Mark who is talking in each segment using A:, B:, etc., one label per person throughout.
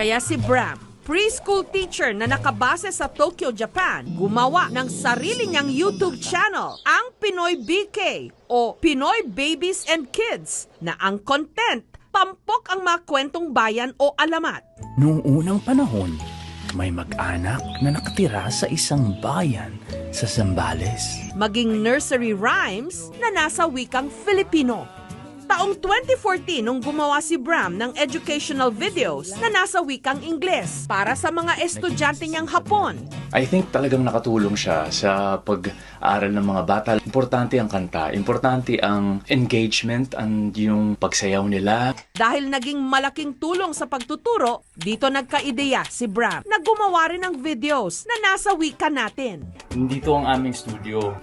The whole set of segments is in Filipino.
A: Kaya si Bram, preschool teacher na nakabase sa Tokyo, Japan, gumawa ng sarili niyang YouTube channel, ang Pinoy BK o Pinoy Babies and Kids, na ang content, pampok ang mga kwentong bayan o alamat.
B: Noong unang panahon, may mag-anak na nakatira sa isang bayan sa Zambales.
A: Maging nursery rhymes na nasa wikang Filipino. Taong 2014 nung gumawa si Bram ng educational videos na nasa wikang Ingles para sa mga estudyante niyang Hapon.
C: I think talagang nakatulong siya sa pag-aaral ng mga bata. Importante ang kanta, importante ang engagement, ang yung pagsayaw nila.
A: Dahil naging malaking tulong sa pagtuturo, dito nagka-ideya si Bram na gumawa rin ng videos na nasa wika natin.
B: Dito ang aming studio.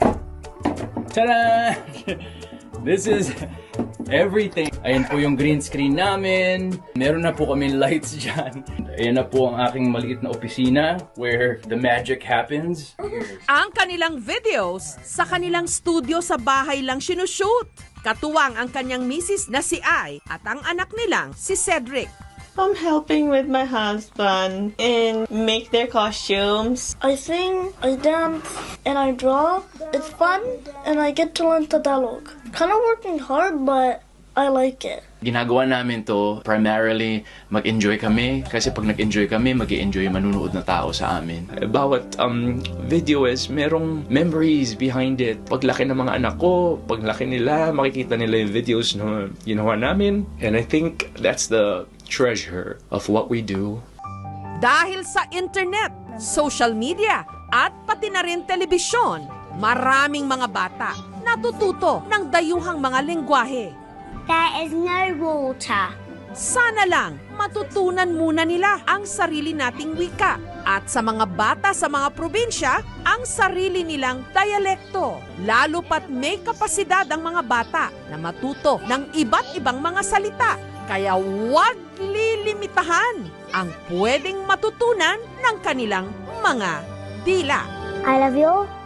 B: Tada! This is everything. Ayan po yung green screen namin. Meron na po kami lights dyan. Ayan na po ang aking maliit na opisina where the magic happens.
A: Ang kanilang videos sa kanilang studio sa bahay lang sinushoot. Katuwang ang kanyang misis na si Ai at ang anak nilang si Cedric.
D: I'm helping with my husband and make their costumes.
E: I sing, I dance, and I draw. It's fun, and I get to learn Tagalog. Kind of working hard, but I like it.
C: Ginagawa namin to primarily mag-enjoy kami kasi pag nag-enjoy kami, mag-enjoy manunood na tao sa amin. Bawat video is merong memories behind it. Paglaki ng mga anak ko, paglaki nila, makikita nila yung videos na ginawa namin. And I think that's the treasure of what we do.
A: Dahil sa internet, social media, at pati na rin telebisyon, maraming mga bata natututo ng dayuhang mga lengguwahe.
F: There is no water.
A: Sana lang matutunan muna nila ang sarili nating wika at sa mga bata sa mga probinsya ang sarili nilang dialekto. Lalo pat may kapasidad ang mga bata na matuto ng iba't ibang mga salita. Kaya huwag lilimitahan ang pwedeng matutunan ng kanilang mga dila.
F: I love you.